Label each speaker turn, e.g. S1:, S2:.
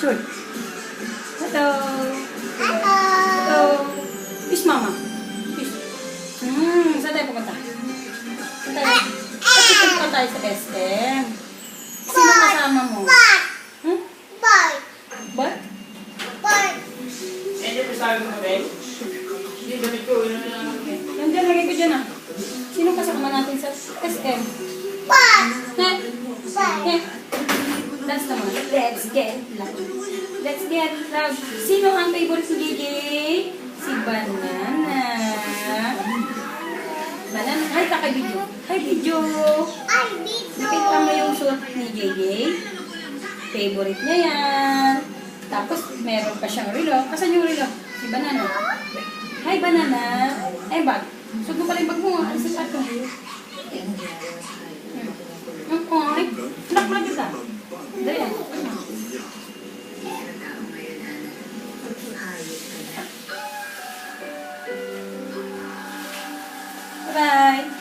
S1: Sure. Hello. Hello. Fish mama. Fish. Saan tayo pupunta? Saan tayo? Pupunta tayo sa SM. Sino kasama mo? Hmm? What? Nandiyan, lagay ko dyan ah. Sino kasama natin sa SM? That's the one. Let's get loud. Let's get loud. Sino ang favorite ni JJ? Si Banana. Banana. Hi, kaka video. Hi, video. Nakita mo yung suot ni JJ? Favorite niya yan. Tapos, meron pa siyang relo. Kasan yung relo? Si Banana. Hi, Banana. Eh, bag. Suot mo pala yung bag mo. Ano sa sato? Okay. Lock mo kita. Dali yan. Bye-bye.